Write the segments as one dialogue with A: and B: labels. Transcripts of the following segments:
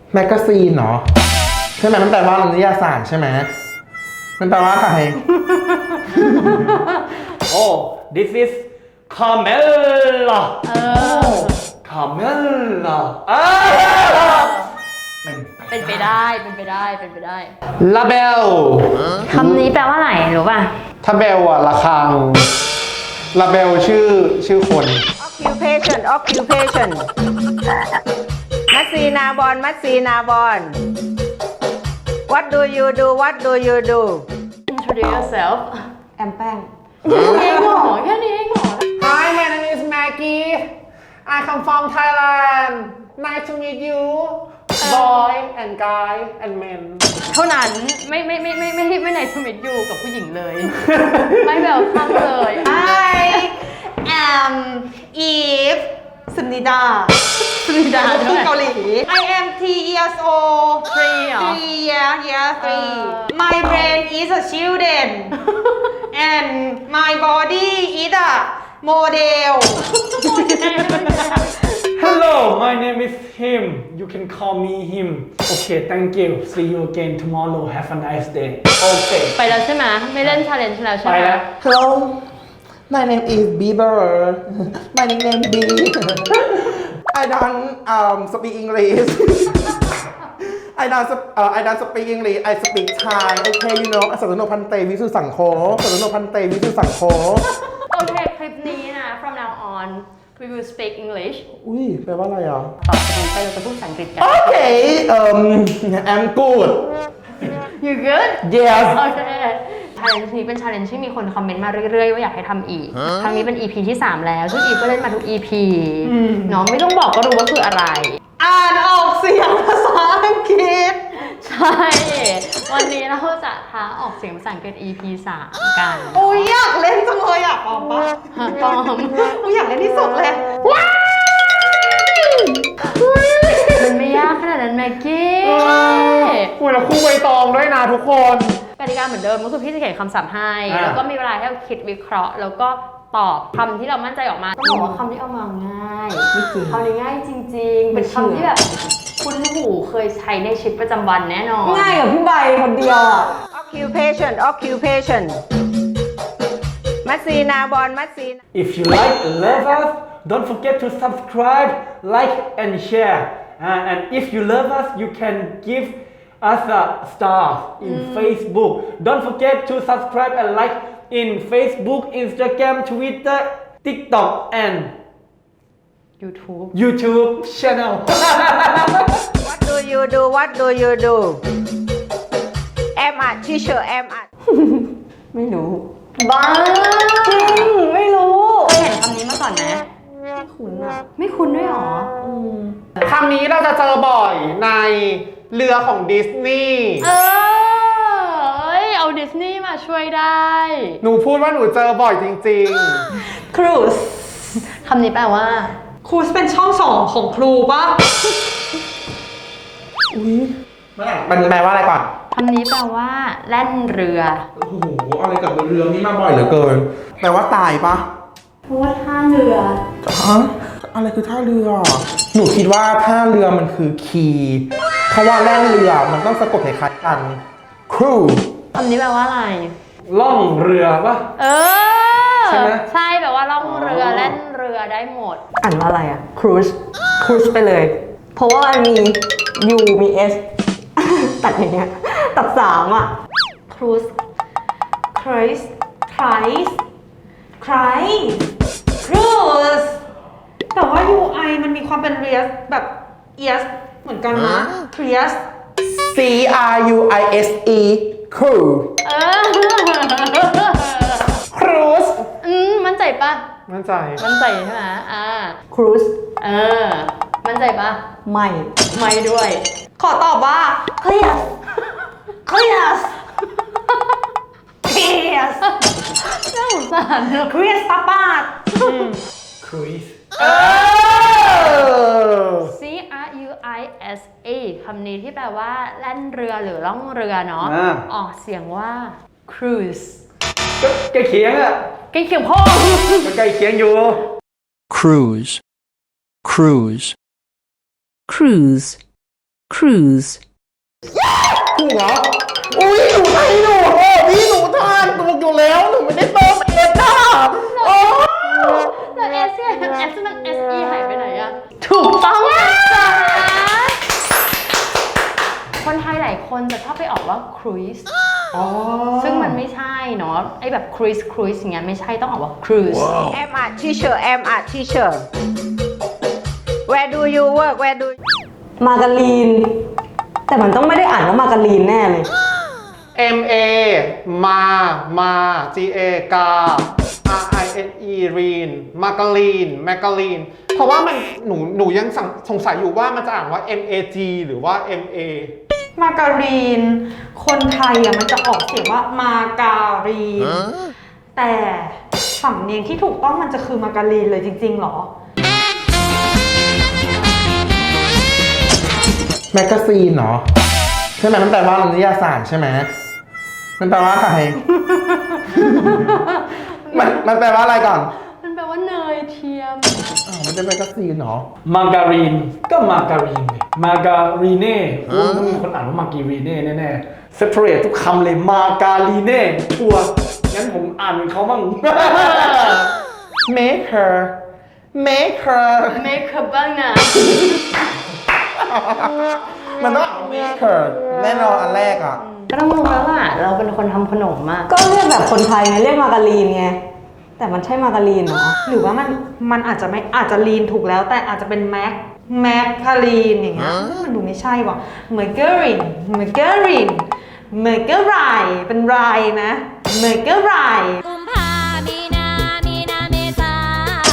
A: แมกกาซีนเนาะใช่ไหมมันแปลว่านิยายสารใช่ไหมมันแปลว่าอะไร
B: Oh this is Carmella Carmella
C: เป็นไปได้เป็นไปได้เป็นไปได้
B: ลาเบล
C: คำนี้แปลว่าอะไรรู้ป่ะ
B: ถ้าเบลอะระฆังลาเบลชื่อคน
D: occupation มัสซีนาบอนมัสซีนาบอน what do you do
C: Introduce yourself
D: แอมแป้ง
C: เองเหรอแค่นี้เองเหรอ
B: Hi my name is Maggie I come from Thailand Nice to meet you boy and guy and men
C: เท่านั้นไม่ในสมิธอยู่กับผู้หญิงเลย ไม่แบบข้างเลย
D: I am Eve สุนิดา
C: สุนิดาด้วย
D: เกาหลี I am 3 years old
C: 3 เหรอ
D: 3 My brain is a children and my body is a model
B: Hello my name is him you can call me him Okay thank you see you again tomorrow have a nice day Okay
C: ไปแล้วใช่ไหมไม่เล่น challenge แล้วใช่
B: ไป
C: ไหม
B: แล้ว
A: Hello my name is Bieber my nickname B I don't speak English I don't speak English I speak Thai Okay you know สัตโนพันเตวิสุสังโฆสัตโนพันเตวิสุสังโฆ
C: โอเคคลิปนี้นะ from now on we will speak English
A: อุ้ยแปลว่าอะไรอ่ะ
C: ต่อจากนี้ไปเราจะพูดภาษาอังกฤษกัน
A: Okay I'm good
C: you good
A: Yes
C: โอเค challenge นี้เป็น challenge ที่มีคนคอมเมนต์มาเรื่อยๆว่าอยากให้ทำอีก ครั้งนี้เป็น EP ที่ 3 แล้ว ซึ่งอีฟก็เล่นมาทุก EP เนาะไม่ต้องบอกก็รู้ว่าคืออะไร
D: อ่านออกเสียงภาษาอังกฤษ
C: ใช่ วันนี้เราจะท้าออกเสียงภาษาอังกฤษ EP 3 กัน
D: อุ้ยอยากเล่นจังเลยอ่ะปอมปะ
C: ปอม
D: อุ้ยอยากเล่นที่สุดเลย
C: มันไม่ยากขนาดนั้นแม็กกี้
B: คุยแล้วคู่ใบตองด้วยนะทุกคน
C: กติกาเหมือนเดิมก็คือพี่จะเขียนคำศัพท์ให้
B: อ่า
C: แล้วก็มีเวลาให้เราคิดวิเคราะห์ แล้วก็ตอบคำที่เรามั่นใจออกมา ต้องบอกว่าคำที่เอามาง่ายคำนี้ง่ายจริงๆ เป็นคำที่แบบคุ้นหูเคยใช้ในชีวิตประจำวันแน่นอน
D: ง่ายกับพี่ใบคนเดียวอ่ะ occupation มัสซีนาบอนมัสซีนา
B: If you like and love us, don't forget to subscribe, like, and share. And if you love us, you can give us a star in Facebook. Don't forget to subscribe and like in Facebook, Instagram, Twitter, TikTok, and
C: YouTube
B: YouTube channel.
D: what do you do am a teacher am a
C: ไม่รู้
D: บ้าไม่รู้
C: เคยเห็นคำนี้มาก่อนไหมไม่คุ้นอ่ะ ไม่คุ้นด้วยหรอ
B: คำนี้เราจะเจอบ่อยในเรือของดิสนีย์
C: เอ้ย เอาดิสนีย์มาช่วยได้
B: หนูพูดว่าหนูเจอบ่อยจริง
D: ครูส
C: คำนี้แปลว่า
D: ครูสเป็นช่องสองของครูปะ
A: มันแปลว่าอะไรก่อน
C: คำนี้แปลว่าแล่นเรือ
A: โอ้โหอะไรกับเรือนี่มาบ่อยเหลือเกินแปลว่าตายปะ
C: เพราะว่าท่าเรือ
A: ฮะอะไรคือท่าเรือ หนูคิดว่าท่าเรือมันคือคีย์เพราะว่าแล่นเรือมันต้องสะกดคล้ายๆกัน crew
C: คำนี้แปลว่าอะไร
B: ๆ ล่องเรือปะ
C: เออ
B: ใช่ไหม
C: ใช่แปลว่าล่องเรือแล่นเรือได้หมด
D: อ่านว่าอะไรอ่ะครูสไปเลย เพราะว่ามันมี U มี S ตัดอย่างเงี้ยตัด3อ่ะ
C: cruise
D: Christ Cruise แต่ว่า UI มันมีความเป็น Rias แบบ ES เหมือนกันนะ Rias
A: C R U I S E crew
C: เออ
B: cruise
C: มั่นใจปะ
B: มั่นใจ
C: มั่นใจใช่ไหม
D: Cruise
C: เออ มั่นใจปะ
D: ไม่
C: ไม่ด้วย
D: ขอตอบว่า Clears
C: น่าสงสารเนอะ
D: Clears ตาปาด
B: cruise
C: C R U I S A คำนี้ที่แปลว่าแล่นเรือหรือล่องเรือเนาะ ออกเสียงว่า cruise
B: ก็ใกล้เคียงอะ
C: ใกล้เคียงพ่อ
B: ก็ใกล้เคียงอยู่
E: cruise cruise,
A: ถูกเหรอ อุ้ยหนูไทยหนูโอ้พี่หนูทานถูกอยู่แล้ว หนูไม่ได้เติมเองนะโอ้
C: แล้วเอสเนี่ยเอสมัน SE หายไปไหนอะถูกต้องนะจ๊ะคนไทยหลายคนจะชอบไปออกว่า cruise ซึ่งมันไม่ใช่เนาะไอแบบ cruise อย่างเงี้ยไม่ใช่ต้องออกว่า cruise
D: I'm a teacher I'm a teacher Where do you work Where do
F: มาการีน แต่มันต้องไม่ได้อ่านว่ามาการีนแน่เลย
A: MA มา GA กา RINE รีนมาการีนเพราะว่ามันหนูยังสงสัยอยู่ว่ามันจะอ่านว่า MAG หรือว่า MA
G: มาการีน คนไทยอ่ะมันจะออกเสียงว่ามาการีน แต่สำเนียงที่ถูกต้องมันจะคือมาการีนเลยจริงๆหรอ
A: แมกกาซีนเนาะใช่ไหมมันแปลว่านิยายสารใช่ไหมมันแปลว่าอะไร มันแปลว่าอะไรก่อน
C: มันแปลว่าเนยเทียม
A: อ้าวมันเป็นแมกกาซีนเนาะ
B: มาการีนก็มาการีนไงมาการีเน่ต้องมีคนอ่านว่ามาการีเน่แน่ๆ separate ทุกคำเลยมาการีเน่ชัวร์งั้นผมอ่านเหมือนเขาบ้าง
A: make her
C: make her บ้างนะ
A: มันต้อง make her แน่นอนอันแรกอ่ะ
C: ก็ต้องรู้แล้วล่ะเราเป็นคนทำขนมมาก
F: ก็เรียกแบบคนไทยไงเรียกมาการีนไง แต่มันใช่มาการีนเหรอ
G: หรือว่ามันอาจจะไม่อาจจะลีนถูกแล้วแต่อาจจะเป็นแมคคารีนอย่างเงี้ยมันดูไม่ใช่ว่ะเมอร์เกอรินเมอร์เกอไรเป็นไรนะเมอร์เกอไร
E: กุมภามีนาเมษา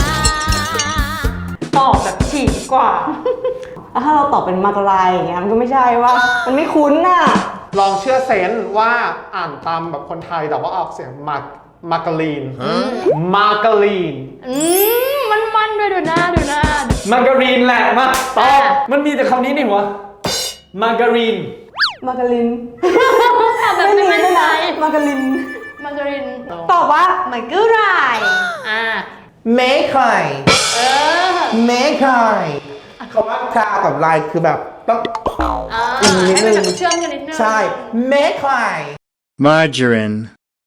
G: ตอบแบบฉีกกว่า
F: แล้วถ้าเราตอบเป็นมาการายอย่างเงี้ยมันก็ไม่ใช่ว่า มันไม่คุ้นน่ะ
A: ลองเชื่อเซนส์ว่าอ่านตามแบบคนไทยแต่ว่าออกเสียงมาการีน
C: มันด้วยดูหน้า
B: มาการีนแหละมาตอบมันมีแต่คำนี้นี่หัวมาการีน
F: มาการิน
C: แบบไม่มั่นใจ
F: มาการิน
C: มาการิน
G: ตอบว่าเมอร์เกอไร
C: อ่า
A: make her
C: เออ
A: make her คำว่าคากับลายคือแบบต้อง
C: ให้มันแบบเชื่อมกันนิดนึง
A: ใช่ make her
E: margarine,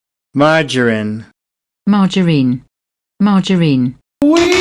A: อุ้ย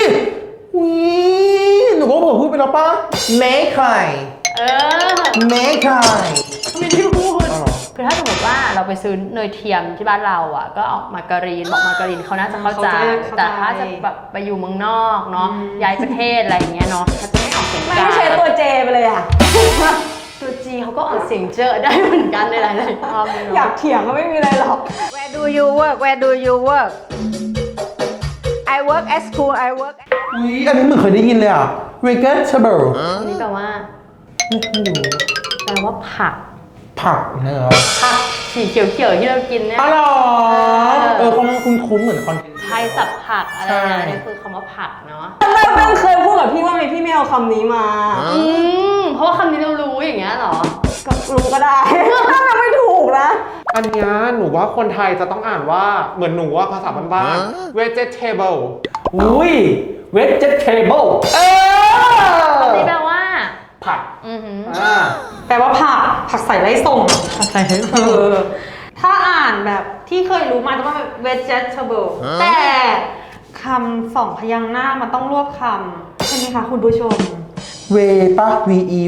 A: หนูก็บอกพูดไปแล้วป่ะ make her
C: เออ
A: make her
C: ไม่ได้พูดคือถ้าสมมติว่าเราไปซื้อเนยเทียมที่บ้านเราอ่ะก็เอามาการีนบอกมาการีนเขาน่าจะเข้าใจ แต่ถ้าจะแบบไปอยู่เมืองนอกเนาะย้ายประเทศอะไรอย่างเงี้ยเนาะถ้าจะไม่ออกเสียง
F: ไม่
C: กลาง
F: ใช่ตัวเจไปเลยอ่ะ
C: ตัวจีเขาก็ออกเสียงเจอได้เหมือนกันในหลายๆรอบเลย
F: อยา
C: เนาะ
F: กเถียงก็ไม่มีอะไรหรอก
D: Where do you work Where do you work I work at school I work
A: อุ้ยอันนี้เหมือนเคยได้ยินเลยอ่ะ vegetable
C: อันนี้แปลว่าแปลว่าผัก
A: ผักเนอะ
C: ผักสีเขียวๆที่เรากินเนี่ย
A: อ๋อเหรอเขาคุ้นๆเหมือนคอนเทนต์
C: ไทยสับผักอะไร
A: ใช่
C: นะนี่คือคำว่าผักเนาะ
F: แม่งเคยพูดกับพี่ว่าไงพี่ไม่เอาคำนี้มา
C: เพราะว่าคำนี้เรารู้อย่างเงี้ยเหรอ
F: ก็รู้ก็ได้ ถ้ามันไม่ถูกนะ
A: อันเนี้ยหนูว่าคนไทยจะต้องอ่านว่าเหมือนหนูว่าภาษาบ้านๆ vegetable
B: อุ้ย vegetable
C: คำนี้แปลว่า
B: ผัก
G: แปลว่าผักใส่ไร้ส่งผักใส่ไร้ส่งถ้าอ่านแบบที่เคยรู้มาจะต้องเป็น vegetable แต่คำสองพยางค์หน้ามันต้องรวบคำใช่ไหมคะคุณผู้ชม
A: เวป่ะ ve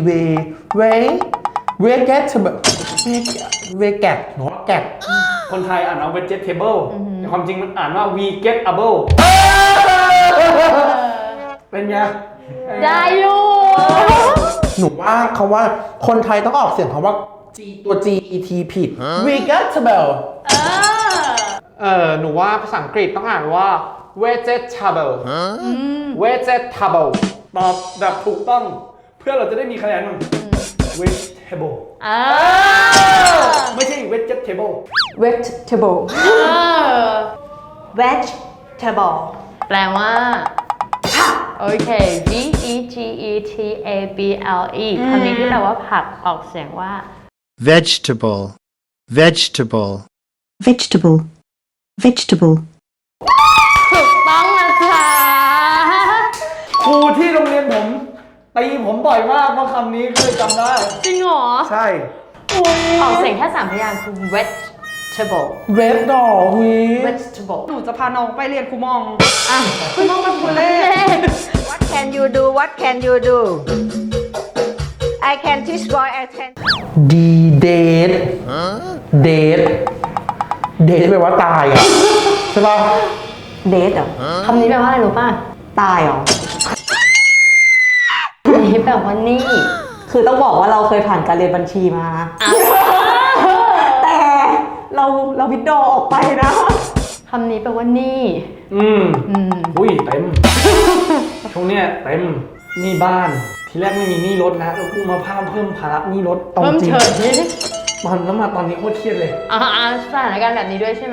A: vegetable veget หนูว่าแกะ
B: คนไทยอ่านว่า vegetable แต่ความจริงมันอ่านว่า vegetable เป็นไง
C: ได้อยู่
A: หนูว่าเขาว่าคนไทยต้องออกเสียงคำว่า G ตัว G E T ผิด vegetable หนูว่าภาษาอังกฤษต้องอ่านว่า vegetable vegetable
B: ตอบแบบถูกต้องเพื่อเราจะได้มีคะแนนมั้ง vegetable ไม่ใช่ vegetable
F: vegetable
G: vegetable
C: แปลว่าโอเค V E G E T A B L E คำนี้ที่แปลว่าผักออกเสียงว่า
E: vegetable,
C: ถูกต้องนะจ๊ะ
B: ครูที่โรงเรียนผมตีผมบ่อยมากเพราะคำนี้เคยจำได้
C: จริงเหรอ
A: ใช่
C: ออกเสียงแค่3 พยางค์คือ vegetable
A: red doll หุย
C: vegetable
G: หนูจะพาน้องไปเรียนครูมอง
C: อ่ะ
G: คุณมองเป็นคนเล่น
D: What can you do What can you do I can teach boy I can
A: D date date date แปลว่าตายอ่ะ ใช่ป่ะ
F: เดทเหรอ
C: คำนี้แปลว่าอะไรรู้ป่ะ
F: ตายเหรอ
C: อันนี้แปลว่านี่
F: คือต้องบอกว่าเราเคยผ่านการเรียนบัญชีมา แต่เราวิดดอออกไปนะ
C: คำนี้แปลว่านี่
B: อุ้ยเต็ม ช่วงเนี้ยเต็มหนี้บ้าน ทีแรกไม่มีหนี้รถนะแล้วกูมาเพิ่มภาระหนี้รถอา
C: เพิ่ม
B: จริง
C: เฉย
B: แล้วมาตอนนี้โคตรเครียดเลย
C: สถานการณ์แบบนี้ด้วยใช่ไหม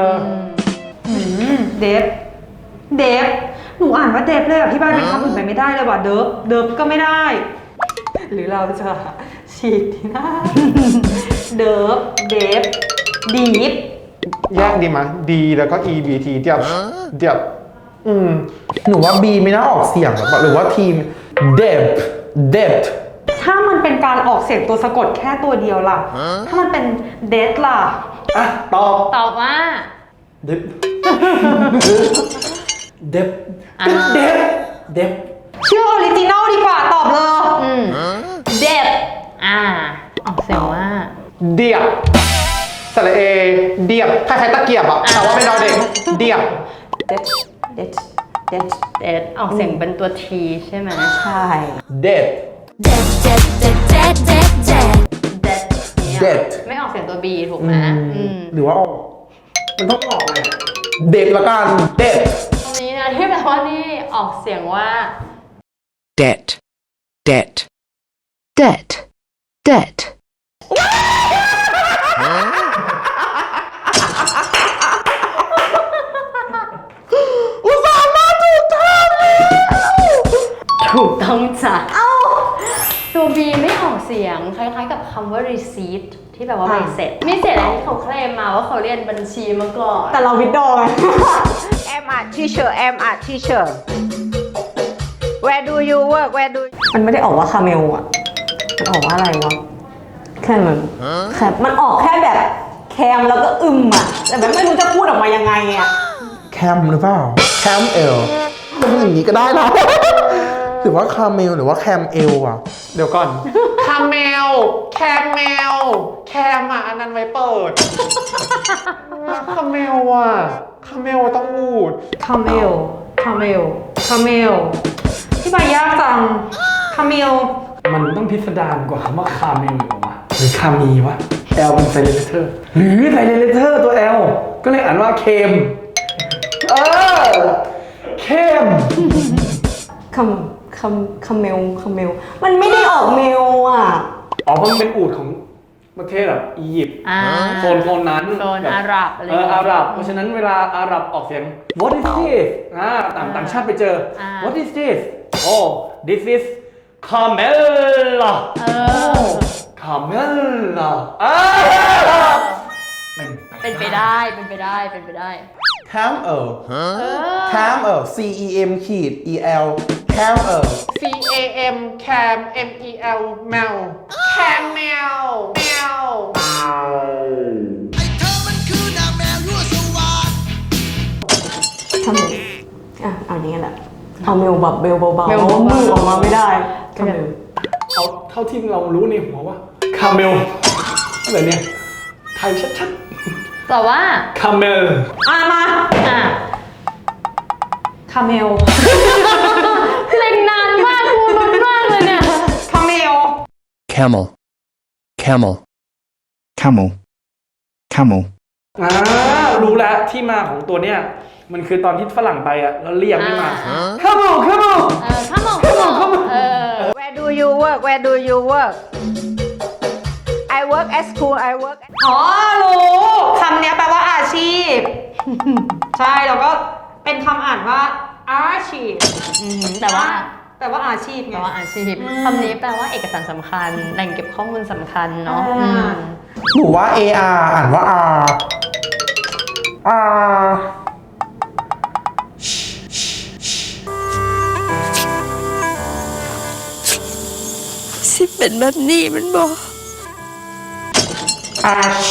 G: เดฟเดฟหนูอ่านว่าเดฟเลยอะพี่บ้านเป็นคำอื่นไปไม่ได้เลยว่ะเดิฟเดิฟก็ไม่ได้ หรือเราจะฉีกที่หน้า เดิฟเดฟดีฟ
A: แยกดีมั้ย D แล้วก็ EBT เดียบหนูว่า B ไม่น่าออกเสียงหรือว่าทีม depth depth
G: ถ้ามันเป็นการออกเสียงตัวสะกดแค่ตัวเดียวล่ะ ถ้ามันเป็นเดทล่ะ
B: อ่ะ ตอบ
C: ตอบว่า
B: เด็บเด็บเด็บ
G: เชื่อออริจินอลดีกว่าตอบเลย
C: เด็บออกเสียงว่า
A: เดียบสระเอเดียบคล้ายๆตะเกียบอ่ะแต่ว่าเป็นดอเด็กเดียบ
F: เดทเดทเดท
C: เด็ดออกเสียงเป็นตัวทีใช่ไหม
F: ใช่
A: dead
E: dead dead dead dead dead dead
C: เด็ดเนี่ย
A: dead
C: ไม่ออกเสียงตัว B ถูกไหม
A: หรือว่าออกมันต้องออกไงเด็กละกัน dead
C: ตรงนี้นะที่แปลว่านี่ออกเสียงว่า
H: debt, debt,
E: dead dead
A: อุตส่าห์มาถูกทางแล้ว
C: ถูกต้องจ้ะตัว B ไม่ออกเสียงคล้ายๆกับคำว่า receipt ที่แปลว่าใบเสร็จ มีเสร็จอะไรที่เขาเคลมมาว่าเขาเรียนบัญชีมาก่อน
F: แต่เราวิดดอไง
D: I'm a teacher I'm a teacher Where do you work Where do
F: มันไม่ได้ออกว่าคาเมลอ่ะ มันออกว่าอะไรวะ แค่มันออกแค่แบบแคมแล้วก็อ่ะ แต่แบบไม่รู้จะพูดออกมายังไงอ่ะ
A: แคมหรือเปล่าแคมเอลมันอย่างนี้ก็ได้นะ หรือว่าคาเมลหรือว่าแคมเอลอ่ะ เดี๋ยวก่อนคาเมลแคมเมลแคมอ่ะอันนั้นไว้เปิดคาเมลอ่ะคาเมลต้องอูด
G: คาเมลคาเมลคาเมลที่ใบยากจังคาเมล
B: มันต้องพิสดารกว่าคำว่าคาเมลอยู่วะหรือคามีวะ L เป็นไซเลนเลเตอร์หรือไซเลนเลเตอร์ตัว L ก็เลยอ่านว่าเคมเคม
F: คาเมล มันไม่ได้ออกเมลอ่ะ
B: อ๋อเพราะมันเป็นอูฐของประเทศแบบอียิปต์โซนนั้น
C: โซนอาหรับอะไรอย่างเงี้ย
B: อาหรับ เพราะฉะนั้นเวลาอาหรับออกเสียง what is this ต่างชาติไปเจอ what is this oh this is camella camella
C: เป็นไปได้
A: แคมเอลแคมเอล C E M ขีด E L แคมเอล C A M cam M E L แมวแคมแมวแมว
F: ทำไมเอาอย่างนี้แหละ เอาเมลแบบเบลเบาๆ
C: เมลเบาๆ
F: มือออกมาไม่ได้คาเมล
B: เอาเท่าที่เรารู้ในหัวว่าคาเมลอะไรเนี่ย ไทยชัด
C: แต่ว่า
B: ๆคาเมล
G: มา คาเมล
C: เล็งนานมากกูลุ้นมากเลยเนี่ย
G: คาเมล
H: camel, camel, camel, camel.
B: รู้แล้วที่มาของตัวเนี้ยมันคือตอนที่ฝรั่งไปอ่ะแล้วเรียกไม่มาคาเมล
C: come on
D: Where do you work Where do you work I work at school I work at
G: อ๋อ รู้คำเนี้ยแปลว่าอาชีพ ใช่แล้วก็เป็นคำอ่านว่าอาชีพ
C: แต่ว่า
G: แปลว่าอาชีพไง
C: แปลว่าอาชีพคำนี้แปลว่าเอกสารสำคัญ แหล่งเก็บข้อมูลสำคัญเนาะ
A: หนูว่า A R อ่านว่า R R
E: ที่เป็นแบบนี้มันบอก
A: arch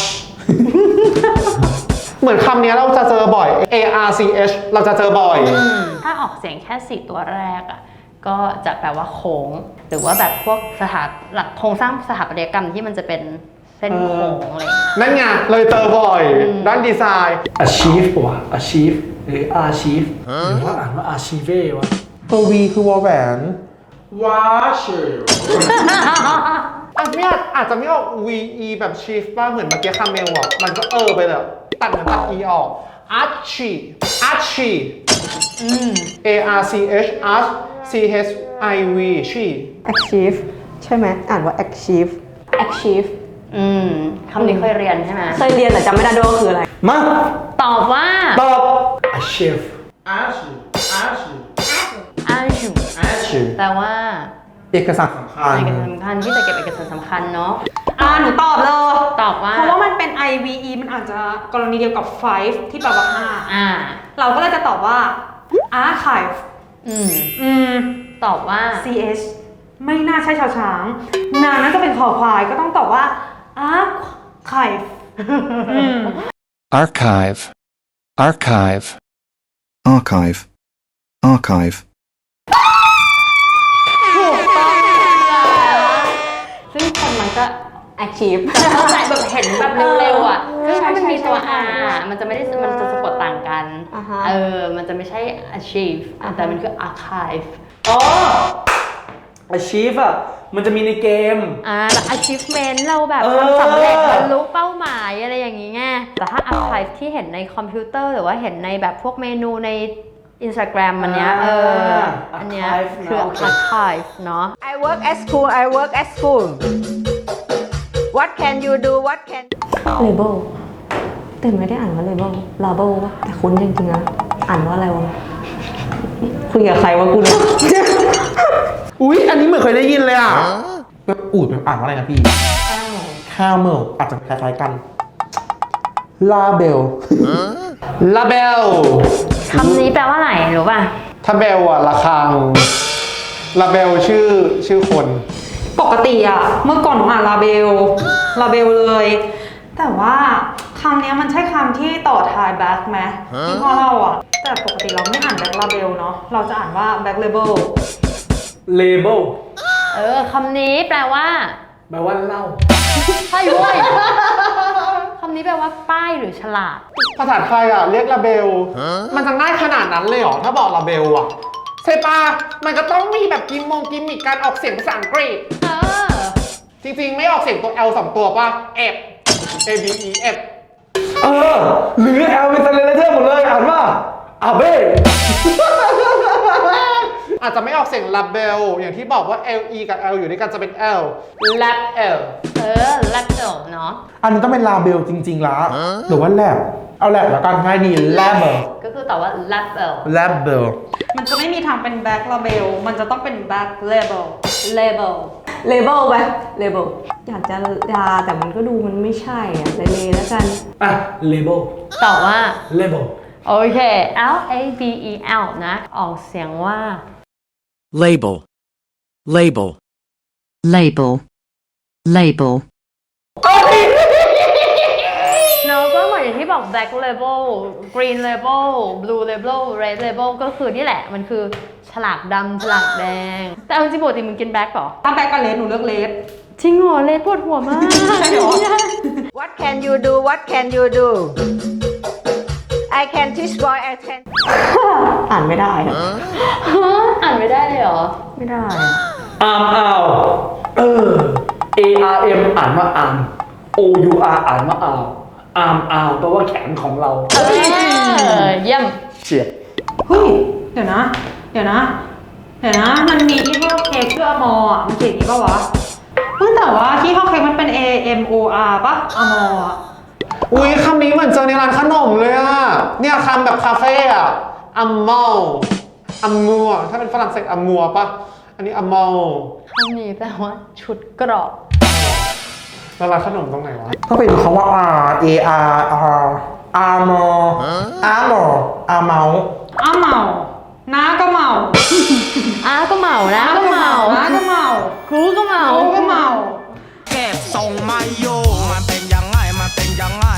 A: เหมือนคำนี้เราจะเจอบ่อย arch เราจะเจอบ่อย
C: ถ้าออกเสียงแค่ 4 ตัวแรกอ่ะก็จะแปลว่าโค้ง หรือว่าแบบพวกหลักโครงสร้างสถาปัตยกรรมที่มันจะเป็นเส้นโค้งอะไรอย่างเงี้ย
A: นั่นไงเลยเจอบ่อยด้านดีไซน์
B: achieve ปะวะ achieve หรือ archive หรือว่าอ่านว่า archive วะ
A: ตัว V คือวอลแหวนวาชิลอาจจะไม่ออก VE แบบ chief ป่ะเหมือนเมื่อกี้คาเมลอ่ะมันก็ไปเลยตัดเหมือนตัด E ออก archie archie arch arch chiv chi
F: achieve ใช่ไหมอ่านว่า achieve achieve
C: คำนี้เคยเรียนใช่ไหม
F: เคยเรียนแต่จำไม่ได้ด้วยว่าคืออะไร
A: มา
C: ตอบว่า
A: ตอบ
B: achieve
A: archie archie
C: อันชู
A: archie
C: แปลว่า
A: เอกสารสำคัญ
C: เอกสารสำคัญที่จะเก็บเอกสารสำคัญเนาะ
G: หนูตอบเลย
C: ตอบว่า
G: เพราะว่ามันเป็น IVE มันอาจจะกรณีเดียวกับ 5 ที่แปลว่า 5 เราก็เลยจะตอบว่า archive
C: ตอบว่า
G: ch ไม่น่าใช่ชาวช้างนาน่าจะเป็นคอควายก็ต้องตอบว่า archive
H: archive, archive, archive, archive.
C: ซึ่งคนมันก็
F: achieve
C: เข้าใจแบบเห็นแบบเร็วๆอ่ะคือถ้ามันมีตัว R มันจะไม่ได้มันจะสะกดต่างกัน มันจะไม่ใช่ achieve แต่มันคือ archive
B: อ๋อ achieve อ่ะมันจะมีในเกม
C: แบบ achievement เราแบบ
B: เออ
C: ทำสำเร็จบรรลุเป้าหมายอะไรอย่างงี้ไงแต่ถ้า archive ที่เห็นในคอมพิวเตอร์หรือว่าเห็นในแบบพวกเมนูใน Instagram อันเนี้ยอันเนี้ยคือ archive เนาะ
D: I work at school I work at school What can you do What can
F: label แต่ไม่ได้อ่านว่า label label วะแต่คุ้นจริงๆนะอ่านว่าอะไรวะคุยกับใครวะกูเนี่ย
A: อุ๊ย อันนี้เหมือนเคยได้ยินเลยอ่ะแบบอูดแบบอ่านว่าอะไรนะพี่ข้าวเมลอาจจะคล้ายๆกันลาเบลลาเบล
C: คำนี้แปลว่าอะไรรู้ป่ะ
A: ถ้าเบลอะระฆังลาเบลชื่อคน
G: ปกติอะเมื่อก่อนหนูอ่านลาเบลเลย แต่ว่าคำนี้มันใช่คำที่ต่อท้ายแบ็คไหมที่พ่อเล่าอะแต่ปกติเราไม่อ่านแบ็คลาเบลเนาะเราจะอ่านว่าแบ็คเลเบล
B: label
C: คำนี้แปลว่า
B: แปลว่าเล่า
C: ใช่เว้ยคำนี้แปลว่าป้ายหรือฉลาก
A: ภาษาไทยอ่ะเรียกลาเบลมันจะง่ายขนาดนั้นเลยเหรอ ถ้าบอกลาเบลอ่ะใช่ปะมันก็ต้องมีแบบกิมมิกการออกเสียงภาษาอังกฤษจริงๆไม่ออกเสียงตัว L 2 ตัวป่ะ F A B E F
B: หรือ L เป็น translator หมดเลยอ่านว่าอาเบ้
A: อาจจะไม่ออกเสียงลาเบลอย่างที่บอกว่า L E กับ L อยู่ด้วยกันจะเป็น L lab L
C: แลบเอลเนาะ
A: อันนี้ต้องเป็นลาเบลจริงๆละหรือว่าแลบเอาแลบแล้วกันง่ายดี lab
C: ก็คือตอบว่าแลบเอล
A: lab
G: มันจะไม่มีทางเป็นแบ็คลาเบลมันจะต้องเป็นแบ็คเลเบล
C: label
F: label ไป label อยากจะดาแต่มันก็ดูมันไม่ใช่อะเลยแล้วกัน
B: label
C: ตอบว่า
B: label
C: โอเค L A B E L นะ ออกเสียงว่า
H: label, label,
E: label label
C: เนอะก็เหมือนอย่างที่บอก black label green label blue label red label ก็คือนี่แหละ มันคือฉลากดำฉลากแดง แต่เอาจริงๆปกติมึงกินแบล็กเหรอ
G: ถ้าแบ็คกับเลสหนูเลือกเลส
C: จริงเหรอเลดปวดหัวมาก
D: What can you do What can you do I can teach boy I can
F: อ่านไม่ได้อะ
C: อ่านไม่ได้เลยเหรอ
F: ไม่ได้อะ
B: arm out ARM อ่านว่า arm OUR อ่านว่า arm out แปลว่าแขนของเรา
C: เยี่ยม
A: เฉียบ
G: เฮ้ยเดี๋ยวนะมันมีที่ห้อเค้กชื่ออมออ่ะมันเขียนอย่างนี้ป่าวะแต่ว่าที่ห้อเค้กมันเป็น AMOR ป่ะอมออ่ะ
A: อุ๊ยคำนี้เหมือนเจอในร้านขนมเลยอ่ะเนี่ยคำแบบคาเฟ่อ่ะอัมมอลอัมมัวถ้าเป็นฝรั่งเศสอัมมัวปะอันนี้อัมมอล
C: คำนี้แปลว่าชุดเกราะ
A: แล้วร้านขนมตรงไหนวะก็เป็นคำว่า R A R R armor armor armor
G: อ้าเมาน้าก็เมา
C: อาก็เมานะก็เมา
G: น้าก็เมา
C: กูก็เมา
G: กูก็เมา
I: เก็บทรงไม่อยู่มันเป็นยังไง มันเป็นยังไง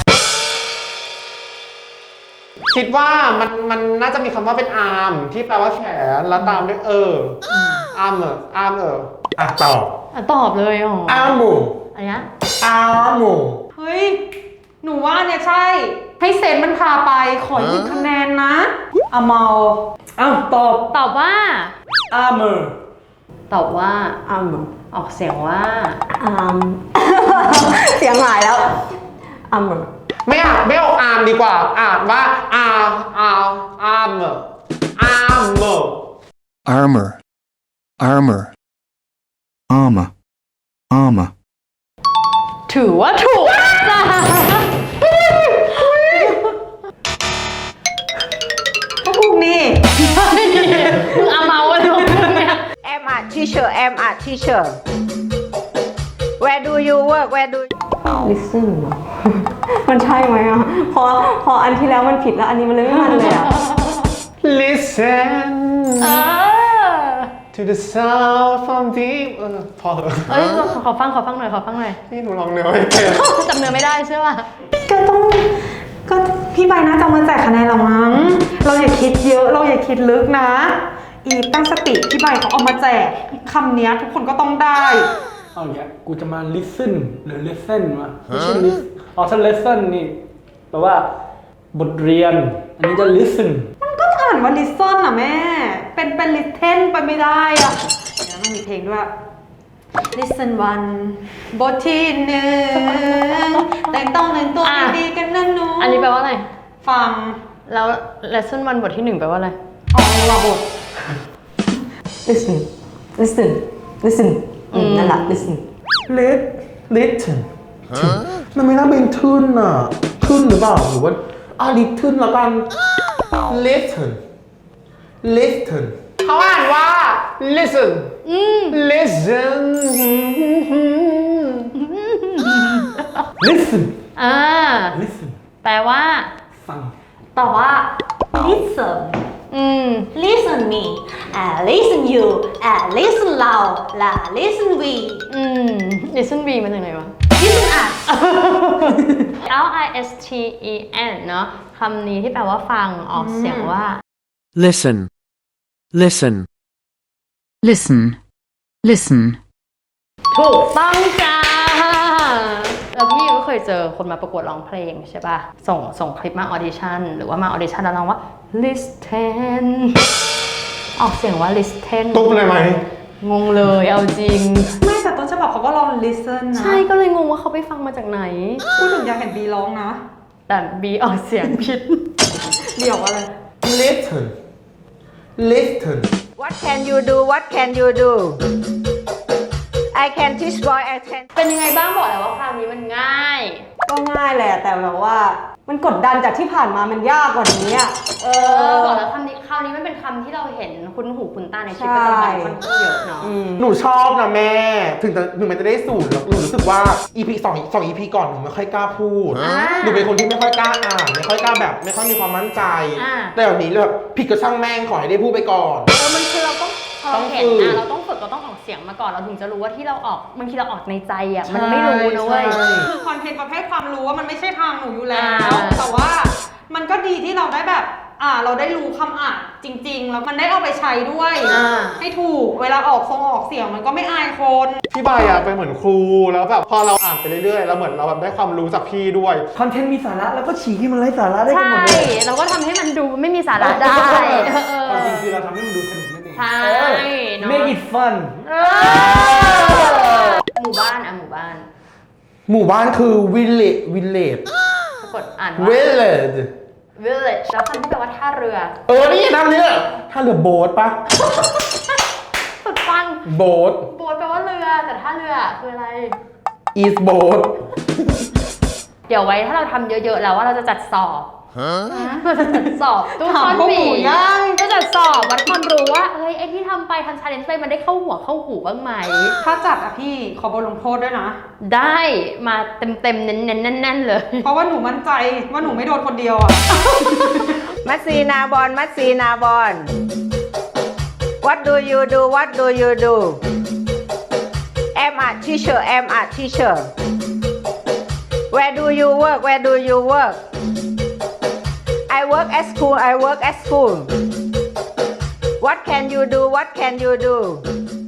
A: คิดว่ามันน่าจะมีคำว่าเป็นอาร์มที่แปลว่าแขนแล้วตามด้วยอาร์มอ่ะตอบ
C: ตอบเลยอ๋อ
A: อาร์มู
C: อะไรนะ
A: อาร์มู
G: เฮ้ย หนูว่าเนี่ยใช่ ให้เซนมันพาไปขอ1คะแนนนะอะเมา
B: อ้าวตอบ
C: ตอบว่า
B: armor
C: ตอบว่า
F: อัม
C: ออกเสียงว่า
F: เสียงหายแล้วอัม
A: ไม่ออกอาร์มดีกว่าอ่านว่าอาร์ม
H: armor, armor, armor, armor.
C: ถือว่าถูกจ้า
G: ก็ถูกนี่
C: มึงเอาเมาอะไรของมึงเนี่ย
D: am a teacher am a teacher where do you work where do you
F: listen เหรอ มันใช่ไหมอ่ะ พออันที่แล้วมันผิดแล้วอันนี้มันเลยไม่มันเลยอ่ะ
A: Listen
C: เออ
A: to the sound from deep พอเถอะ
C: เอ้ยขอฟังหน่อย
A: นี่หนูลองเนื้อไม่เป็น
C: จำเนื้อไม่ได้ใช่ป่ะ
G: ก็พี่ใบน่าจะเอามาแจกคะแนนเรามั้ง เราอย่าคิดเยอะ เราอย่าคิดลึกนะ อีฟตั้งสติพี่ใบเขาเอามาแจกคำเนี้ยทุกคนก็ต้องได้
B: เอาอย่างเงี้ยกูจะมา listen หรือ lesson วะไม่ใช่ listen อ๋อถ้า lesson นี่แปลว่าบทเรียน อันนี้จะ listen
G: มันก็อ่านว่า listen อ่ะแม่ เป็น listen ไปไม่ได้อ่ะเดี๋ยวมันมีเพลงด้วย listen one บทที่1แต่งตัวดีๆกันนะหนู
C: อันนี้แปลว่าอะไร
G: ฟัง
C: แล้ว lesson 1 บทที่ 1 แปลว่าอะไร
G: อ๋อว่าบท
F: listen listen listen นั่นแหละ listen
A: listen มันไม่น่าเป็นทึ่นอ่ะทึ่นหรือเปล่าหรือว่าลิทึ่นแล้วกัน listen เขาอ่านว่า listen listen
B: listen
C: อ่า
B: listen
C: แปลว่า
B: ฟัง
F: ตอบว่า listen
G: listen me listen you listen เรา listen we
C: listen V มาจากไหนวะ
G: listen us
C: listen เนอะคำนี้ที่แปลว่าฟังออกเสียงว่า
H: Listen, listen.
E: Listen. Listen.
C: ถูกต้องจ้า แล้วพี่ก็เคยเจอคนมาประกวดร้องเพลงใช่ป่ะ ส่งคลิปมาออดิชั่นหรือว่ามาออดิชั่นแล้วร้องว่า listen ออกเสียงว่า listen
A: ตุ๊บเลยไหม
C: งงเลยเอาจริง
G: ไม่แต่ต้นฉบับเขาก็ลอง listen นะ
C: ใช่ก็เลยงงว่าเขาไปฟังมาจากไหน
G: พูดถึงอยากเห็นบีร้องนะ
C: แต่บีออกเสียงผิด
G: เดี๋ยวอะไร
A: listen
D: what can you do what can you do I can teach boy I can
C: เป็นยังไงบ้างบอกแล้วว่าคราวนี้มันง่าย
F: ก็ง่ายแหละแต่แบบว่า มันกดดันจากที่ผ่านมามันยากกว่านี้อ่ะ
C: บอกแล้วคำนี้คราวนี้มันเป็นคำที่เราเห็นคุ้นหูคุ้นตาในชีวิตประจำวันค่อนข้างเยอะเนาะ
A: หนูชอบนะแม่ ถึงมันจะได้สูตรแล้วหนูรู้สึกว่า EP 2 EP ก่อนหนูไม่ค่อยกล้าพูด หนูเป็นคนที่ไม่ค่อยกล้าอ่านไม่ค่อยกล้าแบบไม่ค่อยมีความมั่นใจ แต่แบบนี้แบบผิดก็ช่างแม่งขอให้ได้พูดไปก่อน
C: มันคือเราต้องพอเราเห็น
A: ต้องฝึก
C: เราต้องฝึกเราต้องออกเสียงมาก่อนเราถึงจะรู้ว่าที่เราออกบางทีเราออกในใจอ่ะมันไม่รู้นะเว้ย
A: ใช่
G: คือคอนเทนต์ประเภทความรู้ว่ามันไม่ใช่ทางหนูอยู่แล้ว
C: อ่า
G: แต่ว่ามันก็ดีที่เราได้แบบ เราได้รู้คำอ่านจริง ๆ แล้วมันได้เอาไปใช้ด้วย ให้ถูก เวลาออกเสียงมันก็ไม่อายคน
A: พี่ใบอะเป็นเหมือนครูแล้วแบบพอเราอ่านไปเรื่อยๆแล้วเหมือนเราแบบได้ความรู้จากพี่ด้วย
B: คอนเทนต์มีสาระแล้วก็ฉีกให้มันไร้สาระได้กัน
C: ใช่
B: หมดเลย
C: เราก็ทำให้มันดูไม่มีสาระได้
B: ความจริงคือเราทำให้มันดูสนุกนั่นเอง
C: ใช่เนอะ
B: make it fun
C: หมู่บ้านหมู่บ้าน
A: หมู่บ้านคือ village
C: ปรากฏอ่านว่า
A: village
C: village แล้วคำที่แปลว่าท่าเรือ
A: นี่น้ำนี้ถ้าเรือโบ๊ทปะ
C: สุดฟัง
A: โบ๊ท
C: โบ๊ทแปลว่าเรือแต่ท่าเรือคืออะไร
A: is boat
C: เดี๋ยวไว้ถ้าเราทำเยอะๆแล้วว่าเราจะจัดสอบเราจะจัดสอบตู้
G: ถาม
C: คอน
G: พวก
C: บี
G: หมูย่าง
C: จะจัดสอบวัดความรู้ว่าเฮ้ยไอที่ทำไปทำชาเลนจ์ไปมันได้เข้าหัวเข้าหูบ้างไหม
G: ถ้าจัดอะพี่ขอบทลงโทษด้วยนะ
C: ได้มาเต็มๆเน้นๆแน่นๆเลย
G: เพราะว่าหนูมั่นใจว่าหนูไม่โดนคนเดียวอะ
D: มัดซีนาบอลมัดซีนาบอล What do you do What do you do I'm a teacher I'm a teacher Where do you work Where do you work I work at school I work at school What can you do What can you do